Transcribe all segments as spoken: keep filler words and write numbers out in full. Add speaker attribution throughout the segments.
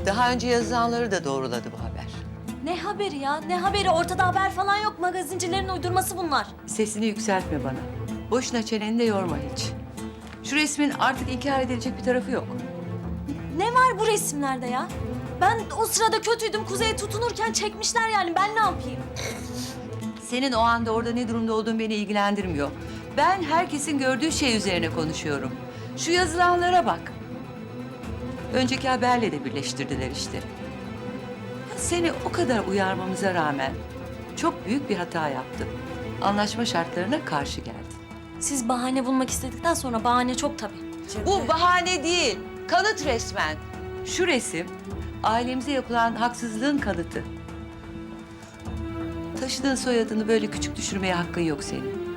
Speaker 1: Daha önce yazılanları da doğruladı bu haber.
Speaker 2: Ne haberi ya? Ne haberi? Ortada haber falan yok. Magazincilerin uydurması bunlar.
Speaker 1: Sesini yükseltme bana. Boşuna çeneni de yorma hiç. Şu resmin artık inkar edilecek bir tarafı yok.
Speaker 2: Ne var bu resimlerde ya? Ben o sırada kötüydüm. Kuzey'e tutunurken çekmişler yani. Ben ne yapayım?
Speaker 1: Senin o anda orada ne durumda olduğun beni ilgilendirmiyor. Ben herkesin gördüğü şey üzerine konuşuyorum. Şu yazılanlara bak. Önceki haberle de birleştirdiler işte. Seni o kadar uyarmamıza rağmen çok büyük bir hata yaptın. Anlaşma şartlarına karşı geldin.
Speaker 2: Siz bahane bulmak istedikten sonra bahane çok tabii.
Speaker 1: Bu bahane değil, kanıt resmen. Şu resim ailemize yapılan haksızlığın kanıtı. Taşıdığın soyadını böyle küçük düşürmeye hakkın yok senin.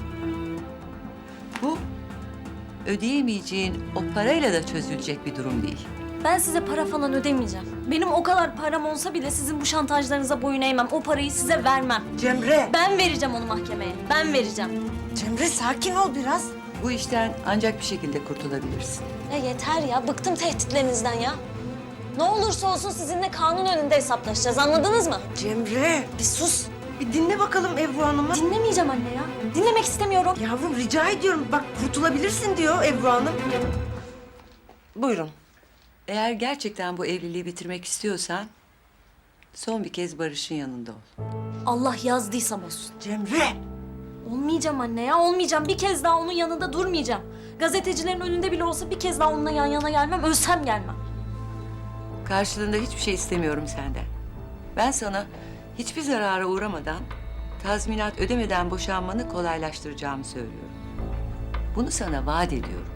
Speaker 1: Bu ödeyemeyeceğin o parayla da çözülecek bir durum değil.
Speaker 2: Ben size para falan ödemeyeceğim. Benim o kadar param olsa bile sizin bu şantajlarınıza boyun eğmem. O parayı size vermem.
Speaker 3: Cemre!
Speaker 2: Ben vereceğim onu mahkemeye. Ben vereceğim.
Speaker 3: Cemre sakin ol biraz.
Speaker 1: Bu işten ancak bir şekilde kurtulabilirsin.
Speaker 2: Ya yeter ya. Bıktım tehditlerinizden ya. Ne olursa olsun sizinle kanun önünde hesaplaşacağız. Anladınız mı?
Speaker 3: Cemre bir sus. Bir dinle bakalım Ebru Hanım'ı.
Speaker 2: Dinlemeyeceğim anne ya. Dinlemek istemiyorum.
Speaker 3: Yavrum rica ediyorum bak kurtulabilirsin diyor Ebru Hanım. Buyurun.
Speaker 1: Eğer gerçekten bu evliliği bitirmek istiyorsan son bir kez Barış'ın yanında ol.
Speaker 2: Allah yazdıysam olsun.
Speaker 3: Cemre!
Speaker 2: Olmayacağım anne ya. Olmayacağım. Bir kez daha onun yanında durmayacağım. Gazetecilerin önünde bile olsa bir kez daha onunla yan yana gelmem. Ölsem gelmem.
Speaker 1: Karşılığında hiçbir şey istemiyorum senden. Ben sana hiçbir zarara uğramadan, tazminat ödemeden boşanmanı kolaylaştıracağımı söylüyorum. Bunu sana vaat ediyorum.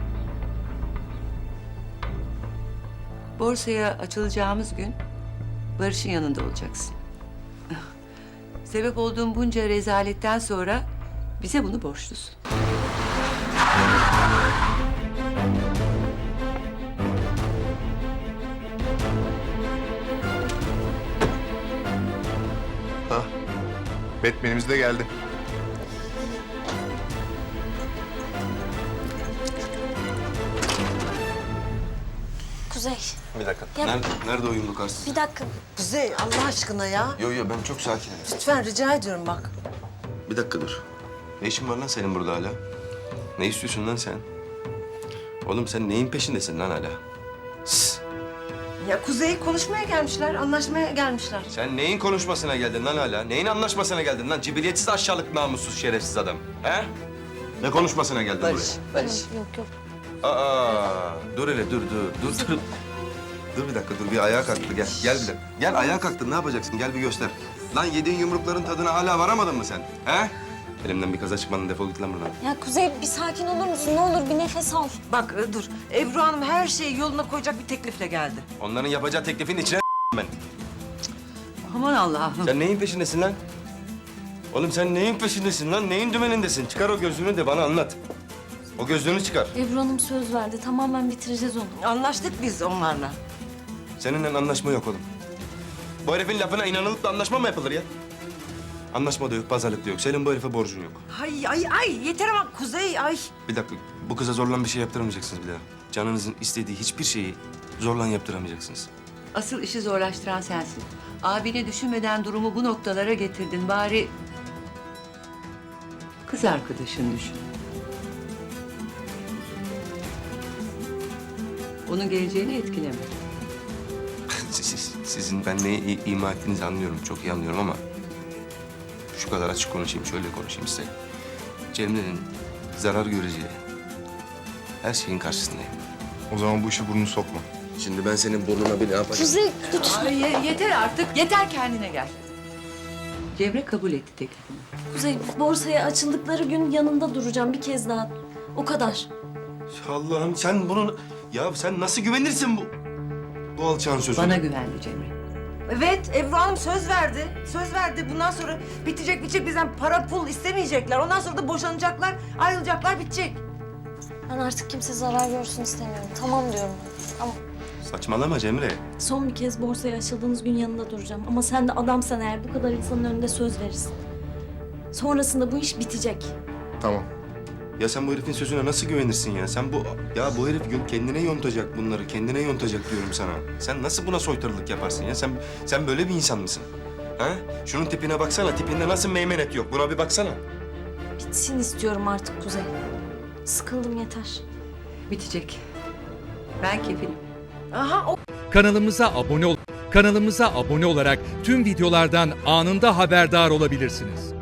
Speaker 1: Borsaya açılacağımız gün Barış'ın yanında olacaksın. Sebep olduğum bunca rezaletten sonra bize bunu borçlusun.
Speaker 4: Ha, Batman'imiz de geldi.
Speaker 2: Kuzey,
Speaker 5: Bir dakika.
Speaker 2: Ya-
Speaker 5: Nerede, nerede o yumruk arsız?
Speaker 2: bir dakika.
Speaker 3: Kuzey Allah aşkına ya.
Speaker 5: Yo yo ben çok sakinim.
Speaker 3: Lütfen rica ediyorum bak.
Speaker 5: Bir dakika dur. Ne işin var lan senin burada hala? Ne istiyorsun lan sen? Oğlum sen neyin peşindesin lan hala? Sss.
Speaker 3: Ya Kuzey konuşmaya gelmişler, anlaşmaya gelmişler.
Speaker 5: Sen neyin konuşmasına geldin lan hala? Neyin anlaşmasına geldin lan? Cibiliyetsiz, aşağılık, namussuz, şerefsiz adam. He? Ne konuşmasına geldin
Speaker 1: Barış,
Speaker 5: buraya?
Speaker 1: Barış.
Speaker 2: Yok yok.
Speaker 5: Aa, dur hele dur dur dur dur. Dur bir dakika dur bir ayağa kalktı gel gel bir dakika. Gel ayağa kalktın ne yapacaksın gel bir göster. Lan yediğin yumrukların tadına hala varamadın mı sen? He? Elimden bir kaza çıkmadın defol git lan buradan.
Speaker 2: Ya Kuzey bir sakin olur musun? Ne olur bir nefes al.
Speaker 3: Bak e, dur. Ebru Hanım her şeyi yoluna koyacak bir teklifle geldi.
Speaker 5: Onların yapacağı teklifin içine ben.
Speaker 1: Aman Allah'ım.
Speaker 5: Sen neyin peşindesin lan? Oğlum sen neyin peşindesin lan? Neyin dümenindesin? Çıkar o gözlüğünü de bana anlat. O gözlüğünü çıkar.
Speaker 2: Ebru Hanım söz verdi. Tamamen bitireceğiz onu.
Speaker 3: Anlaştık biz onlarla.
Speaker 5: Seninle anlaşma yok oğlum. Bu herifin lafına inanılıp da anlaşma mı yapılır ya? Anlaşma da yok, pazarlık da yok. Senin bu herife borcun yok.
Speaker 3: Ay ay ay yeter ama Kuzey ay.
Speaker 5: Bir dakika, bu kıza zorlan bir şey yaptıramayacaksınız bir daha. Canınızın istediği hiçbir şeyi zorlan yaptıramayacaksınız.
Speaker 1: Asıl işi zorlaştıran sensin. Abini düşünmeden durumu bu noktalara getirdin. Bari kız arkadaşını düşün. Onun geleceğini etkileme.
Speaker 5: Siz, siz- sizin ben neyi i- ima ettiğinizi anlıyorum, çok iyi anlıyorum ama... ...şu kadar açık konuşayım, şöyle konuşayım size. Cemile'nin zarar göreceği her şeyin karşısındayım.
Speaker 4: O zaman bu işe burnunu sokma.
Speaker 5: Şimdi ben senin burnuna bir ne yapacağım?
Speaker 2: Kuzey lütfen.
Speaker 1: Ay, ye- yeter artık. Yeter kendine gel. Cemre kabul etti teklifini.
Speaker 2: Kuzey borsaya açıldıkları gün yanında duracağım bir kez daha. O kadar.
Speaker 5: Allah'ım sen bunun... Ya sen nasıl güvenirsin bu... ...bu alçağın sözüne?
Speaker 1: Bana güvendi Cemre.
Speaker 3: Evet Ebru Hanım söz verdi. Söz verdi. Bundan sonra bitecek bitecek bizden para pul istemeyecekler. Ondan sonra da boşanacaklar, ayrılacaklar bitecek.
Speaker 2: Ben artık kimse zarar görsün istemiyorum. Tamam diyorum. Ama
Speaker 5: Saçmalama Cemre.
Speaker 2: son bir kez borsaya açıldığınız gün yanında duracağım. Ama sen de adamsan eğer bu kadar insanın önünde söz verirsin. Sonrasında bu iş bitecek.
Speaker 4: Tamam.
Speaker 5: Ya sen bu herifin sözüne nasıl güvenirsin ya? Sen bu... Ya bu herif gün kendine yontacak bunları, kendine yontacak diyorum sana. Sen nasıl buna soytarılık yaparsın ya? Sen sen böyle bir insan mısın? Ha? Şunun tipine baksana, tipinde nasıl meymenet yok? Buna bir baksana.
Speaker 2: Bitsin istiyorum artık Kuzey. Sıkıldım yeter.
Speaker 1: Bitecek. Ben kefilim.
Speaker 3: Aha o
Speaker 6: Kanalımıza abone ol kanalımıza abone olarak tüm videolardan anında haberdar olabilirsiniz.